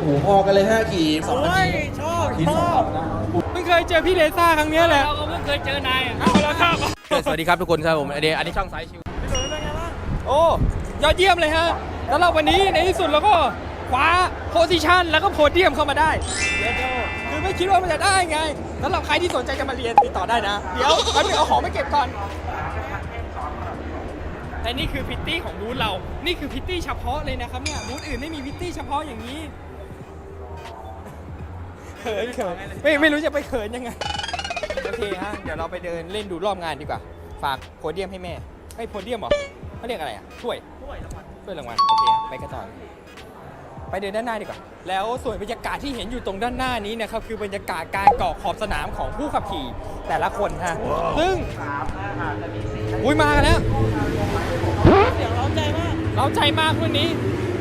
หูพอกันเลย5ขี่2นาทีชอบเพิ่งเคยเจอพี่เลซ่าครั้งนี้แหละเราก็เพิ่งเคยเจอนายเอาแล้วครับสวัสดีครับทุกคนครับผมอันนี้ช่องสายชิวโอ้ยอดเยี่ยมเลยฮะแล้วเราวันนี้ในที่สุดเราก็คว้าโพสิชันแล้วก็โพเดียมเข้ามาได้คือไม่คิดว่ามันจะได้ไงสำหรับใครที่สนใจจะมาเรียนติดต่อได้นะเดี๋ยวแป๊บนึงเอาของมาเก็บก่อนแต่นี่คือพิตตี้ของบูธเรานี่คือพิตตี้เฉพาะเลยนะครับเนี่ยบูธอื่นไม่มีพิตตี้เฉพาะอย่างนี้เขินไม่รู้จะไปเขินยังไงโอเคฮะเดี๋ยวเราไปเดินเล่นดูรอบงานดีกว่าฝากโพเดียมให้แม่ให้โพเดียมเหรอเขาเรียกอะไรอ่ะถ้วยรางวัลโอเคไปกันต่อไปเดินด้านหน้าดีกว่าแล้วส่วนบรรยากาศที่เห็นอยู่ตรงด้านหน้านี้นะครับคือบรรยากาศการเกาะขอบสนามของผู้ขับขี่แต่ละคนฮะซึ่งอุ้ยมากันแล้วเสียงเร้าใจมากวันนี้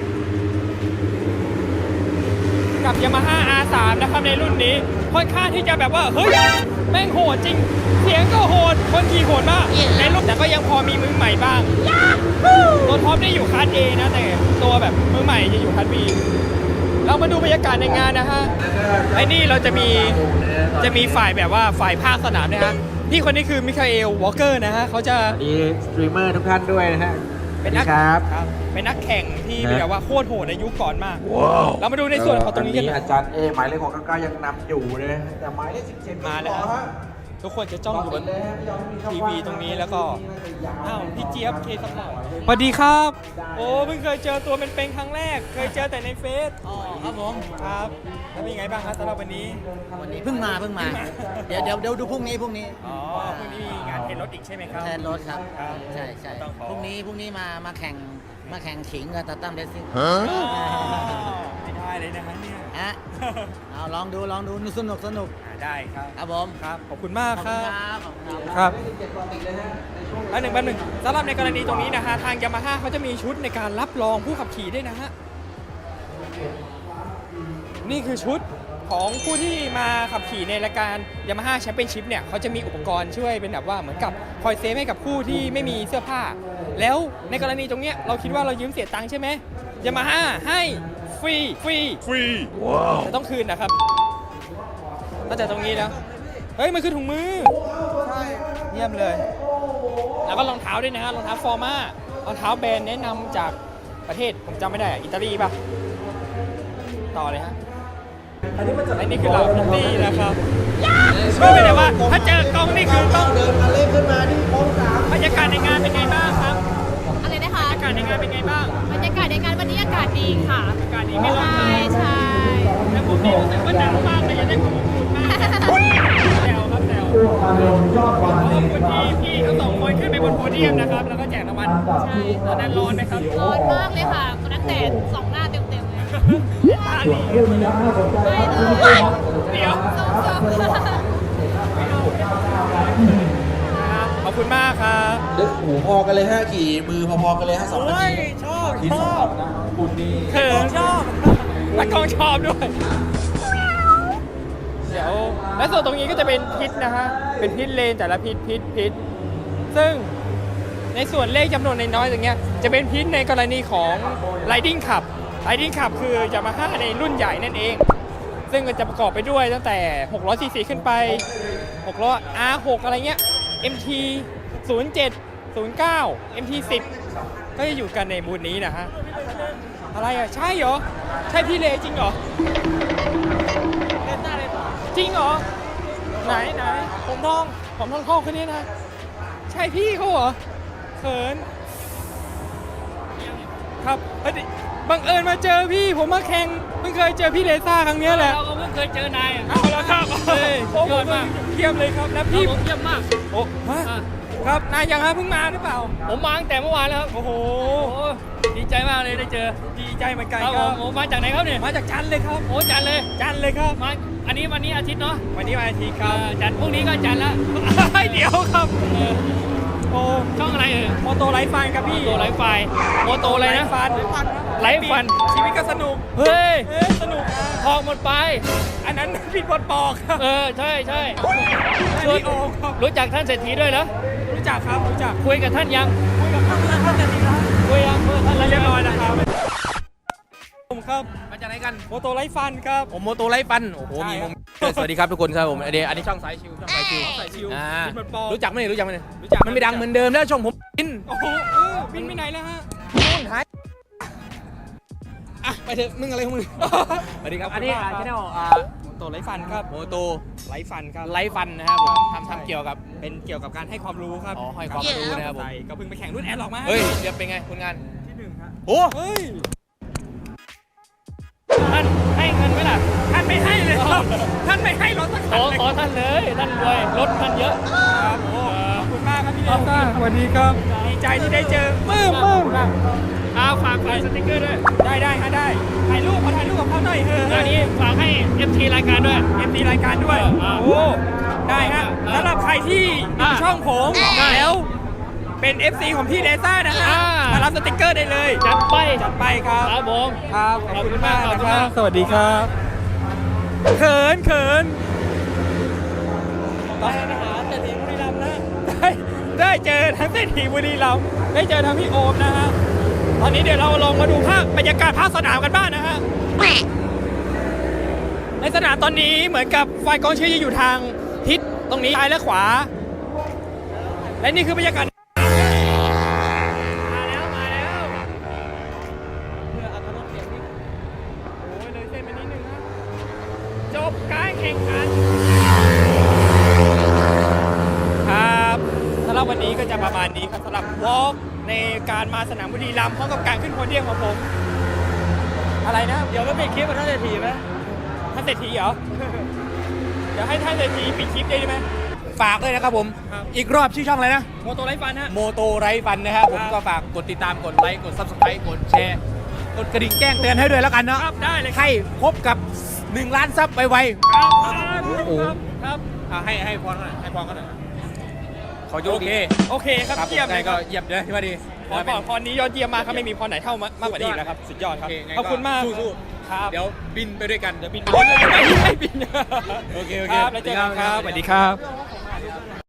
กับ Yamaha R3 นะครับในรุ่นนี้ค่อนข้างที่จะแบบว่าเฮ้ยแม่งโหดจริงเสียงก็โหดคนขี่โหดมากในรุ่นแต่ก็ยังพอมีมือใหม่บ้างตัวท็อปได้อยู่คัส A นะแต่ตัวแบบมือใหม่จะอยู่คัส B เรามาดูบรรยากาศในงานนะฮะไอ้นี่เราจะมีฝ่ายแบบว่าฝ่ายภาคสนามนะฮะพี่คนนี้คือมิคาเอลวอลเกอร์นะฮะเขาจะดีสตรีมเมอร์ทุกท่านด้วยนะฮะเป็นนักแข่งที่แบบว่าโคตรโหดในยุคก่อนมากเรามาดูในส่วนของตรงนี้กันอาจารย์เอหมายเลข699ยังนำอยู่เลยแต่หมายเลข17 มาแล้วทุกคนจะจ้องอยู่บนทีวีตรงนี้แล้วก็อ้าวพี่เจี๊ยบเคสปอร์ตสวัสดีครับโอ้เพิ่งเคยเจอตัวเป็นครั้งแรกเคยเจอแต่ในเฟซอ๋อครับผมครับแล้วเป็นยังไงบ้างครับสำหรับวันนี้เพิ่งมาเดี๋ยวดูพรุ่งนี้อ๋อพรุ่งนี้มีงานเทนรถอีกใช่ไหมครับเทนรถครับใช่พรุ่งนี้มาแข่งขิงกับตาตั้มเรซซิ่งไม่ได้เลยนะฮะเนี่ยเอาลองดูสนุกได้ครับครับผมครับขอบคุณมากครับครับแป๊บหนึ่งสำหรับในกรณีตรงนี้นะฮะทาง Yamaha เขาจะมีชุดในการรับรองผู้ขับขี่ด้วยนะฮะนี่คือชุดของผู้ที่มาขับขี่ในรายการ Yamaha Championship เนี่ยเขาจะมีอุปกรณ์ช่วยเป็นแบบว่าเหมือนกับคอยเซฟให้กับผู้ที่ไม่มีเสื้อผ้าแล้วในกรณีตรงเนี้ยเราคิดว่าเรายืมเสียตังค์ใช่ไหม Yamaha ให้ฟรีว้าวแต่ต้องคืนนะครับตั้งแต่ตรงนี้นะเฮ้ยมันคือถุงมือใช่เยี่ยมเลยแล้วก็รองเท้าด้วยนะฮะรองเท้าฟอร์มารองเท้าแบรนด์แนะนำจากประเทศผมจำไม่ได้อิตาลีป่ะต่อเลยฮะอันนี้คือเราพิตตี้นะครับไม่เป็นไรว่าถ้าเจอกล้องนี่คือต้องเดินมาเล่นขึ้นมาที่โค้ง3 บรรยากาศในงานเป็นไงบ้างครับอะไรนะคะบรรยากาศในงานเป็นไงบ้างบรรยากาศในงานวันนี้อากาศดีค่ะอากาศดีไม่ร้อนใช่แล้วผมนี่รู้สึกว่าหนาวมากเลยอยากได้ความอบอุ่นมากแซวครับแซวขอบคุณพี่ทั้งสองคนขึ้นไปบนโพเดียมนะครับแล้วก็แจกรางวัลใช่ตอนนั้นร้อนไหมครับร้อนมากเลยค่ะตอนนั้นแดดส่องหน้าเต็มเลยตาดีไม่เลยเดี๋ยวขอบคุณมากครับลึกหูพอกันเลย5ขี่มือพอๆกันเลย2นาทีชอบนะบุญดีชอบนักกองชอบด้วยเดี๋ยวและส่วนตรงนี้ก็จะเป็นพิษนะฮะเป็นพิษเลนแต่ละพิษซึ่งในส่วนเลขจำนวนน้อยๆอย่างเงี้ยจะเป็นพิษในกรณีของ Riding Cup คือ Yamaha ในรุ่นใหญ่นั่นเองซึ่งก็จะประกอบไปด้วยตั้งแต่600 cc ขึ้นไป600 R6 อะไรเงี้ย MT 07 09 MT 10ก็จะอยู่กันในบูธนี้นะฮะอะไรอ่ะใช่เหรอใช่พี่เลจริงเหรอจริงเหรอไหนผมทองคนนี้นะใช่พี่เขาเหรอเขินครับบังเอิญมาเจอพี่ผมมาแข่งเพิ่งเคยเจอพี่เลซ่าครั้งนี้แหละเราก็เพิ่งเคยเจอนายเอาแล้วครับเยี่ยมมากเยี่ยมเลยครับแล้วพี่เยี่ยมมากโอ้ครับนายยังฮะเพิ่งมาหรือเปล่าผมมาตั้งแต่เมื่อวานแล้วครับโอ้โหดีใจมากเลยได้เจอดีใจเหมือนกันครับผมมาจากไหนครับเนี่ยมาจากจันเลยครับโอ้จันเลยครับมาวันนี้อาทิตย์เนาะวันนี้วันอาทิตย์ครับจันพรุ่งนี้ก็จันแล้วเดี๋ยวครับโอ้ช่องอะไรโมโตไลฟ์ฟันครับพี่โมโตไลฟ์ไฟโมโตอะไรนะไลฟ์ฟันชีวิตก็สนุกเฮ้ยสนุกทองหมดไปอันนั้นผิดบทบอกครับใช่รู้จักท่านเศรษฐีด้วยเหรอรู้จักครับรู้จักคุยกับท่านยังคุยกับท่านเศรษฐีแล้วคุยยังท่านเรียบร้อยแล้วครับครับมาจากไหนกันโมโตไลฟ์ฟันครับผมโมโตไลฟ์ฟันโอ้โหใช่มีครับมุมสวัสดีครับทุกคนครับผมอันนี้ช่องสายชิวช่องสายชิวใส่ชิวอ่าบินบนปอรู้จักไหมเนี่ยรู้จักไหมเนี่ยรู้จักมันไม่ดังเหมือนเดิมแล้วช่องผมบินโอ้โหบินไปไหนแล้วฮะนู่นหายอ่ะไปเถอะมึงอะไรของมึงสวัสดีครับอันนี้ขอบคุณมากครับช่องโมโตไลฟ์ฟันครับโมโตไลฟ์ฟันครับไลฟ์ฟันนะครับผมทำเกี่ยวกับเป็นเกี่ยวกับการให้ความรู้ครับอ๋อให้ความรู้นะครับผมใช่ก็เพิ่งไปแข่งรุ่นแอดหรอกมาเฮ้ยเดี๋ยวเป็นไงผลงานที่หนึ่งครับโอ้เฮ้ยท่านให้เงินไหมล่ะท่านไม่ให้เลยครับท่านไม่ให้รถสักคันเลยขอท่านเลยท่านรวยรถท่านเยอะครับโอ้ขอบคุณมากครับพี่เอซ่าสวัสดีครับดีใจที่ได้เจอปื้มเอาฝากสติ๊กเกอร์ด้วยได้ฮะได้ถ่ายรูปขอถ่ายรูปกับเขาหน่อยเถอะอันนี้ฝากให้ FT รายการด้วย MD รายการด้วยโอ้ได้ฮะสำหรับใครที่ดูช่องผมแล้วเป็น FC ของพี่เลซ่านะฮะมารับสติ๊กเกอร์ได้เลยจัดไปจัดไปครับครับผมครับขอบคุณมากขอบนะคุณคมารักบสวัสดีครับเขินได้นะฮะเศรษฐีบุรีรัมย์นะได้เจอทั้งเศรษฐีบุรีรัมย์ได้เจอทั้งพี่โอมนะฮะตอนนี้เดี๋ยวเราลงมาดูภาพบรรยากาศภาคสนามกันบ้างนะฮะในสนามตอนนี้เหมือนกับฝ่ายกองเชียร์จะอยู่ทางทิศตรงนี้ซ้ายและขวา และนี่คือบรรยากาศมาแล้วเพื่ออัตราเสียงนี่โอ้ยเลยเส้นไปนิดนึงนะจบการแข่งขันครับสำหรับวันนี้ก็จะประมาณนี้ครับสำหรับวอล์กในการมาสนามบุรีรัมย์พร้อมกับการขึ้นโพเดียมของผมอะไรนะเดี๋ยวก็ปิดคลิปกับท่านเศรษฐีไหมท่านเศรษฐีเหรอ เดี๋ยวให้ท่านเศรษฐีปิดคลิปได้ไหมฝากด้วยนะครับผมครับอีกรอบชื่อช่องอะไรนะโมโตไลฟ์ฟันฮะโมโตไรฟันนะครับผมครับก็ฝากกดติดตามกดไลค์กด Subscribe กดแชร์กดกระดิ่งแจ้งเตือนให้ด้วยแล้วกันเนาะครับได้เลยครับให้พบกับ 1 ล้านซับไวครับโอ้ครับๆให้พรกันหน่อยให้พรกันหน่อยขอโอเคโอเคครับครับเยี่ยมเลยคก็รับเยี่ยมเลยที่ว่าดีพรนี้ยอดเยี่ยมมากครับไม่มีพรไหนเท่ามากกว่านี้อีกแล้วครับสุดยอดครับโอเคไงขอบคุณมากสู้ครับเดี๋ยวบินไปด้วยกันเดี๋ยวบินไปเลยไม่บินโอเคครับแล้วเจอกันครับสวัสดีครับ